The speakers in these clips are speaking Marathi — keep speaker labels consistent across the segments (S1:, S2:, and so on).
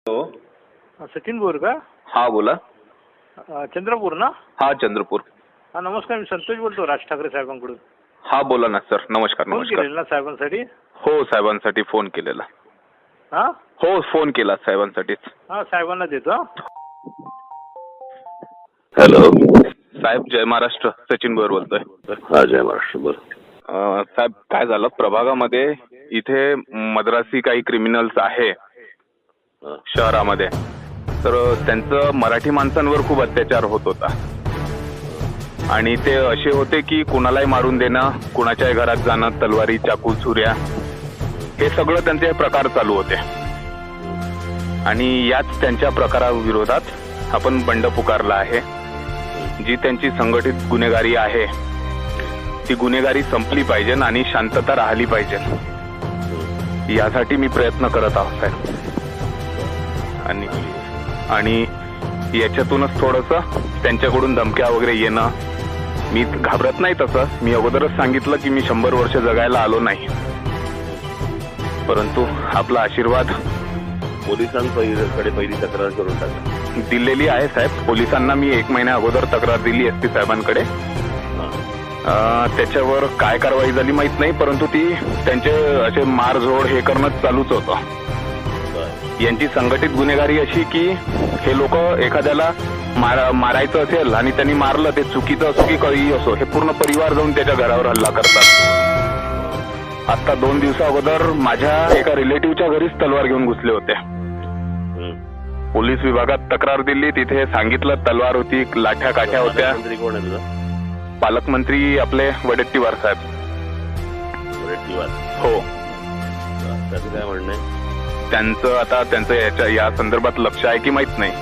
S1: हो.
S2: सचिन बोर का?
S1: हा बोला.
S2: चंद्रपूर ना?
S1: हा चंद्रपूर.
S2: हा नमस्कार, मी संतोष बोलतो राज ठाकरे साहेबांकडून.
S1: हा बोला ना सर. नमस्कार.
S2: फोन
S1: नमस्कार.
S2: केलेला ना साहेबांसाठी?
S1: हो साहेबांसाठी फोन केलेला.
S2: हा
S1: हो फोन केला साहेबांसाठीच.
S2: हा साहेबांना देतो.
S3: हॅलो
S1: साहेब जय महाराष्ट्र. सचिन बोर बोलतोय.
S3: हा जय महाराष्ट्र. बोल.
S1: साहेब काय झालं प्रभागामध्ये इथे मद्रासी काही क्रिमिनल्स आहे शहरामध्ये, तर त्यांचं मराठी माणसांवर खूप अत्याचार होत होता आणि ते असे होते की कुणालाही मारून देणं, कुणाच्याही घरात जाणं, तलवारी चाकू छुऱ्या हे सगळं त्यांचे प्रकार चालू होते. आणि याच त्यांच्या प्रकाराविरोधात आपण बंड पुकारला आहे. जी त्यांची संघटित गुन्हेगारी आहे ती गुन्हेगारी संपली पाहिजे आणि शांतता राहिली पाहिजे, यासाठी मी प्रयत्न करत आहोत साहेब. आणि याच्यातूनच थोडंसं त्यांच्याकडून धमक्या वगैरे येणं, मी घाबरत नाही तसं. मी अगोदरच सांगितलं की मी 100 वर्ष जगायला आलो नाही, परंतु आपला आशीर्वाद
S3: पोलिसांकडे पहिली तक्रार करून टाका.
S1: दिलेली आहे साहेब. पोलिसांना मी 1 महिन्या अगोदर तक्रार दिली SP साहेबांकडे. त्याच्यावर काय कारवाई झाली माहित नाही, परंतु ती त्यांचे असे मारझोड हे करणं चालूच होतं. यांची संघटित गुन्हेगारी अशी की हे लोक एखाद्याला मारायचं असेल आणि त्यांनी मारलं, ते चुकीचं असो की काही असो, हे पूर्ण परिवार जाऊन त्याच्या घरावर हल्ला करतात. आता 2 दिवसा अगोदर माझ्या एका रिलेटिव्हच्या घरीच तलवार घेऊन घुसले होते. पोलीस विभागात तक्रार दिली, तिथे सांगितलं तलवार होती, लाठ्या काठ्या होत्या.
S3: कोण आहे तुझा?
S1: पालकमंत्री आपले वडेट्टीवार साहेब.
S3: वडेट्टीवार.
S1: हो.
S3: त्याचं काय म्हणणं आहे?
S1: त्यांचं या संदर्भात लक्ष आहे की माहित नाही,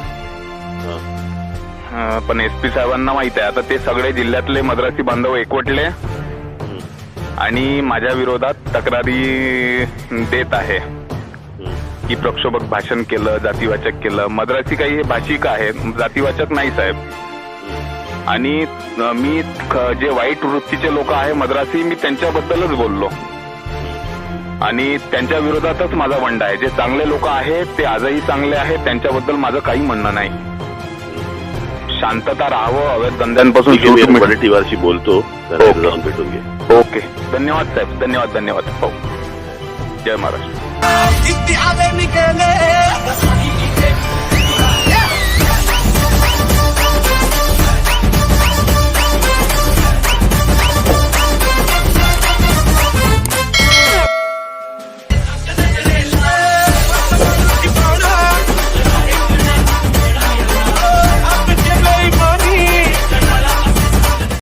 S1: पण SP साहेबांना माहित आहे. आता ते सगळे जिल्ह्यातले मद्रासी बांधव एकवटले आणि माझ्या विरोधात तक्रारी देत आहे की प्रक्षोभक भाषण केलं, जातीवाचक केलं. मद्रासी काही हे भाषिक आहे, जातीवाचक नाही साहेब. आणि मी जे वाईट वृत्तीचे लोक आहे मद्रासी, मी त्यांच्याबद्दलच बोललो आणि त्यांच्या विरोधातच माझा बंड आहे. जे चांगले लोक आहेत ते आजही चांगले आहेत, त्यांच्याबद्दल माझं काही म्हणणं नाही. शांतता राहावं, अवैध धंद्यांपासून.
S3: वडेट्टीवारशी बोलतो, जाऊन भेटून घे.
S1: ओके. धन्यवाद साहेब. धन्यवाद. हो. जय महाराष्ट्र.